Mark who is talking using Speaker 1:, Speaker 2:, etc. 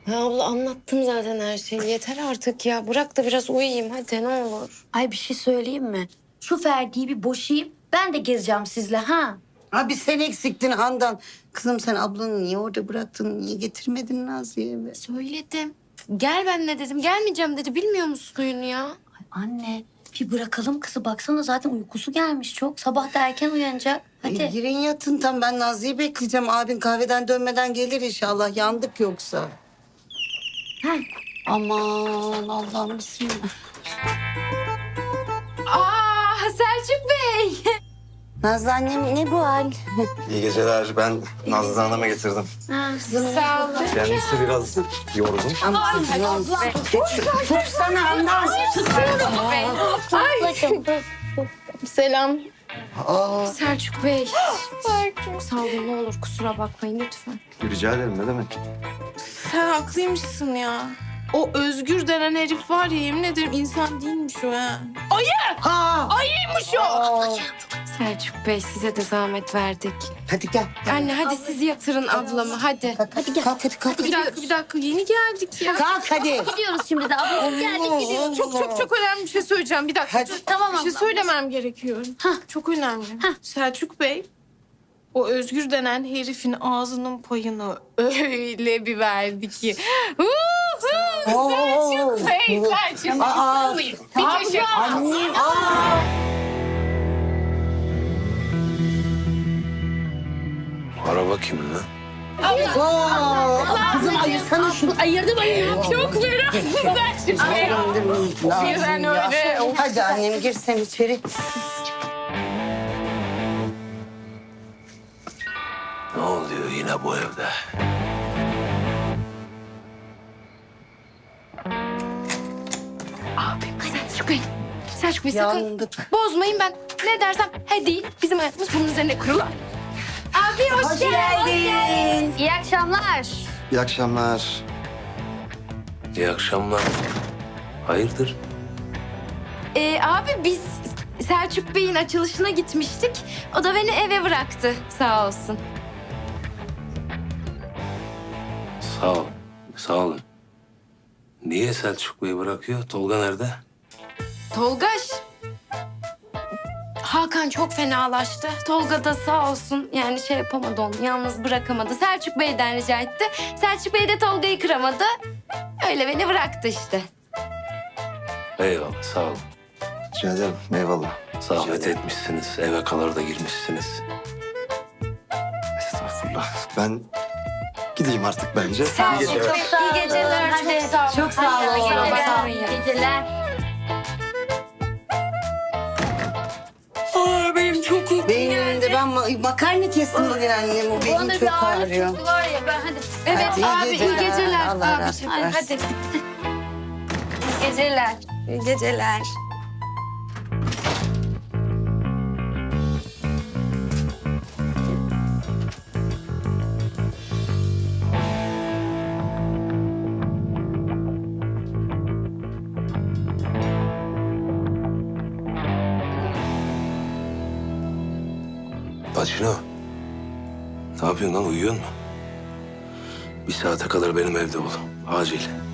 Speaker 1: Ya abla anlattım zaten her şeyi. Yeter artık ya. Bırak da biraz uyuyayım hadi ne olur.
Speaker 2: Ay bir şey söyleyeyim mi? Şu Ferdi'yi bir boşayayım. Ben de gezeceğim sizle ha.
Speaker 3: Abi sen eksiktin Handan. Kızım sen ablanı niye orada bıraktın? Niye getirmedin Nazlı'ya eve?
Speaker 1: Söyledim. Gel benimle dedim. Gelmeyeceğim dedi. Bilmiyor musun suyunu ya?
Speaker 2: Ay anne bir bırakalım kızı. Baksana zaten uykusu gelmiş çok. Sabah da erken uyanacak. Hadi.
Speaker 3: Girin yatın tam ben Nazlı'yı bekleyeceğim. Abin kahveden dönmeden gelir inşallah. Yandık yoksa.
Speaker 2: Heh.
Speaker 3: Aman Allah'ım bismillah.
Speaker 1: Aa Selçuk Bey.
Speaker 3: Nazlı annem ne bu hal?
Speaker 4: İyi geceler. Ben Nazlı Hanım'a getirdim.
Speaker 1: Sağ olun.
Speaker 4: Kendisi biraz yorgun.
Speaker 3: Tutsana Handan.
Speaker 1: Selam.
Speaker 3: Aa,
Speaker 1: Selçuk Bey. Çok sağ olun ne olur kusura bakmayın lütfen.
Speaker 4: Rica ederim ne demek?
Speaker 5: Sen haklıymışsın ya. O Özgür denen herif var ya yemin ederim insan değilmiş o ha.
Speaker 3: ha.
Speaker 5: Ayıymış o.
Speaker 1: Selçuk Bey size de zahmet verdik.
Speaker 3: Hadi gel.
Speaker 1: Anne hadi siz yatırın ablamı hadi.
Speaker 3: Hadi gel. Kalk hadi kalk.
Speaker 5: Bir dakika yeni geldik ya.
Speaker 3: Kalk hadi.
Speaker 2: Gidiyoruz şimdi de. Abla geldik gidiyoruz.
Speaker 5: Çok önemli bir şey söyleyeceğim. Bir dakika.
Speaker 3: Hadi.
Speaker 2: Tamam
Speaker 5: Bir şey
Speaker 2: abla.
Speaker 5: söylemem gerekiyor. Çok önemli. Selçuk Bey, o Özgür denen herifin ağzının payını öyle bir verdi ki. Selçuk Bey, Selçuk Bey.
Speaker 3: Aa,
Speaker 5: Bir kaşık.
Speaker 3: annem. Aa.
Speaker 4: Araba kimin lan?
Speaker 3: Aa, kızım ayırsana şunu.
Speaker 2: Ayırdım ayırdım.
Speaker 5: Çok meraklısın Selçuk Bey. Birden öyle.
Speaker 3: Hadi annem gir sen içeri.
Speaker 4: Ne oluyor yine bu evde?
Speaker 1: Selçuk Bey. Selçuk Bey sakın
Speaker 3: Yandık.
Speaker 1: bozmayın ben. Ne dersem he değil. Bizim hayatımız bunun üzerine kurulu. Abi hoş geldin.
Speaker 2: İyi akşamlar.
Speaker 4: İyi akşamlar.
Speaker 6: İyi akşamlar. Hayırdır?
Speaker 1: Abi biz Selçuk Bey'in açılışına gitmiştik. O da beni eve bıraktı sağ olsun.
Speaker 6: Sağ ol. Sağ olun. Niye Selçuk Bey bırakıyor? Tolga nerede?
Speaker 1: Tolgaş. Hakan çok fenalaştı. Tolga da sağ olsun yani şey yapamadı onu. Yalnız bırakamadı. Selçuk Bey'den rica etti. Selçuk Bey de Tolga'yı kıramadı. Öyle beni bıraktı işte.
Speaker 6: Eyvallah sağ olun.
Speaker 4: Rica ederim. Eyvallah.
Speaker 6: Zahmet etmişsiniz. Eve kadar da girmişsiniz.
Speaker 4: Estağfurullah. Ben gideyim artık bence.
Speaker 1: Sağ
Speaker 4: İyi
Speaker 1: olun.
Speaker 4: geceler.
Speaker 1: İyi geceler.
Speaker 2: Hadi.
Speaker 1: Çok sağ olun.
Speaker 2: Çok sağ olun.
Speaker 1: İyi geceler.
Speaker 2: Sağ olun. İyi geceler.
Speaker 3: Benim de ben makarna kestim bugün annem. O benim çok ağrıyor.
Speaker 2: Var ya ben hadi.
Speaker 1: Evet
Speaker 3: Hadi, iyi
Speaker 1: abi iyi
Speaker 3: geceler.
Speaker 1: geceler.
Speaker 3: Allah
Speaker 1: Abi,
Speaker 3: razı
Speaker 1: hadi.
Speaker 3: olsun.
Speaker 1: hadi.
Speaker 2: İyi geceler.
Speaker 1: İyi geceler.
Speaker 6: Bacino. Ne yapıyorsun lan? Uyuyor musun? Bir saate kadar benim evde ol. Acil.